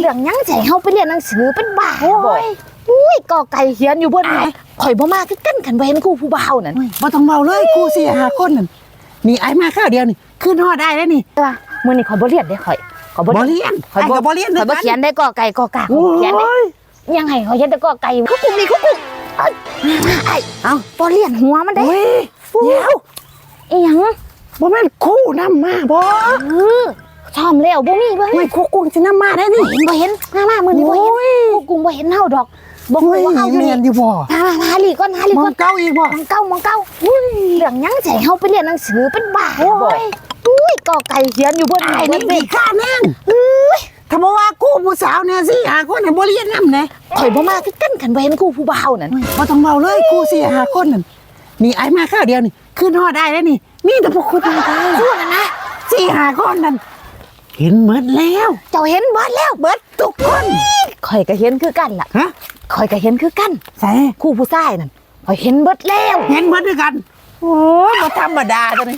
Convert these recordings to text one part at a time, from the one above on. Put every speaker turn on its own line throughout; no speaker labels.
เรื่องยังใจเฮาไปเรียนหนังสือเป็นบ้าบ่อุ้ยกอไก่เขียนอยู่บนไหนข่อยบ่มาคือกันกันบ่เห็นครูผู้บ่าวนั่น
บ่ต้องเมาเลยครู4-5คนนั่นนี่ไอ้มาข้าวเดียวนี่ขึ้นฮอดได้แล้วนี่
แต่ว่ามื้อนี้ข่อยบ่เรียนเด้ข่อย
บ่เรียนข่อยก็บ่เรียน
ข่อยบ่เขียนได้กอไก่กอกาเขียนได้ยังไงข่อยเขียนแต่กอไก่คุกกุ่มนี่คุกกุ่มไอ้เอาบ่เรียนหัวมันได้
เดี๋ยว
อีหยัง
บ่แม่นครูนำมาบ่
ชอมแล้วบ่มีบ่เห็น
ครูกุ้งสินำมาได้นี่
บ่เห็นมามื้อนี้บ่เห็นครูกุ้งบ่เห็นเฮาดอกบ่ฮู้ว่าเฮาอยู่นี่
อยู่บ่
หาลีก่อน
มองเก้าอีกบ่
มองเก้าเรื่องยังใจเฮาไปเรียนหนังสือเป็นบ้าบ่อุ้ยกอไก่เขียนอยู่บนไหน
นี่ข้านั่งถ้าบ่ว่าครูผู้สาวเนี่ย4-5คนบ่เรียนนำแน่
ข่อยบ่มาคือกันบ่เห็นครูผู้บ่าวนั่น
บ่ต้องเมาเลยครู4-5คนนั่นนี่ไอ้มาข้าวเดียวนี่ขึ้นฮอดได้แล้วนี่มีแต่พวกคุณมา
พูดนะ
4-5คนนั่นเห็นหมดแล้ว
เจ้าเห็นเบิดแล้ว
เบิดทุกคน
ข่อยก็เห็นคือกันล่ะ
ฮะ
ข่อยก็เห็นคือกัน
ใส่
ครูผู้ชายนั่นข่อยเห็นเบิดแล้ว
เห็นเบิดด้วยกันโอ้ยบ่ธรรมดาตัวนี้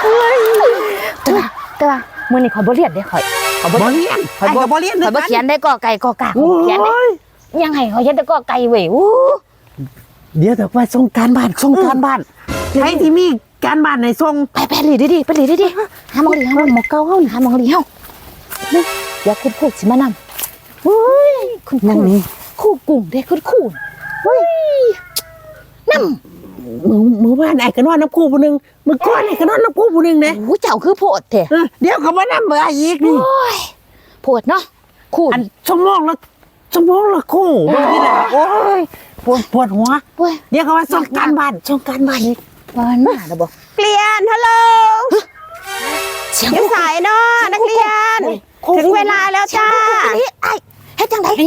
แต่ว่ามื้อนี้ข่อยบ่เรียนเด้ข่อย
บ่เรียนข่อยก็บ่เรียน
ข่อยบ่เขียนได้กอไก่กอกาเขียนได้ยังไงข่อยเขียนแต่กอไก่เว้ย
เดี๋ยวแต่ว่าส่งการบ้านใครที่มีการบ้านในส่ง
ไปหลีดิหามองหลีหามองเก้าเฮาหามองหลีเฮาอย่าคุณครูสิมานำเฮ้ยคุณนั่นนี่ครูกุ้งเด้คุณครูเฮ้ยนำ
มื้อวานไอ้ก็นอนน้ำครูผู้นึงมื้อก่อนไอ้ก็นอนน้ำครูผู้นึงเด้
โอ้เจ้าคือโพดแท้
เดี๋ยวก็มานำเบอร์อีกนี่
โพดเนาะครู
อันชั่วโมงละครูบ่นี่แหละโอ้ยปวดหัวเดี๋ยวก็ว่าส่งการบ้านอีก
วันมาแล้วบ่
เรียนฮัลโหลอยู่สายเนาะนักเรียนถึงเวลาแล้วจ้า
ไอ้เฮ็ดจังได๋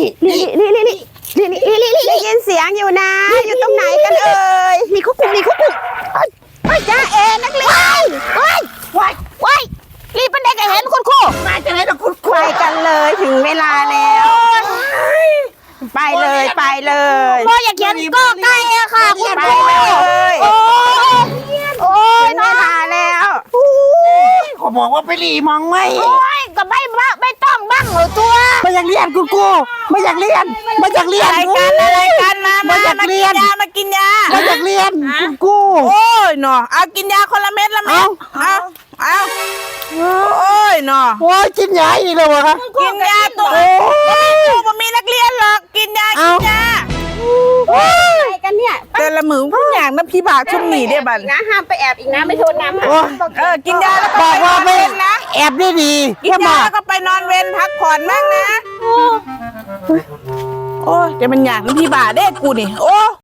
ได้ยินเสียงอยู่นะอยู่ตรงไหนกันเอ่ย
มีคุกกุ่ม
จ้าเอนักเรียน
ว้ายรีบไปได้ก็เห็นคุณครู
มาจังได๋ล่ะคุณครู
ไปกันเลยถึงเวลาแล้วไปเลย
บ่อยากเขียนก็ใกล้อะค่ะคุณครู
โอ้ยเวลาแล้ว
เขาบอกว่าไปหลีมองไหม
ก็ไม่ต้องบ้างหรอตัว
ไม่อยากเรียนคุณครูไม่อยากเรียน
อะไรกันมากินยา
ไม่อยากเรียนคุณครู
โอ้ยเนาะเอากินยาคนละเม็ดเอาโอ้ยเนาะ
โอ้ยกินยาอีกแล้ววะ
กินยาตัวมันมีนักเรียนหรอกกินยาอะไรกันเนี่ยแต่ละมือพวกอย่างน้ำพี่บาชุ่มหนีได้บัน
นะห้ามไปแอบอีกนะไม่โทษน้
ำกินยาแล้วก็
บอกว่าไม่นะแอบได้ดี
กินยาแล้วก็ไปนอนเวรพักผ่อนบ้างนะโอ้ยเดี๋ยวมันอยากน้ำพี่บาได้กูนี่โอ้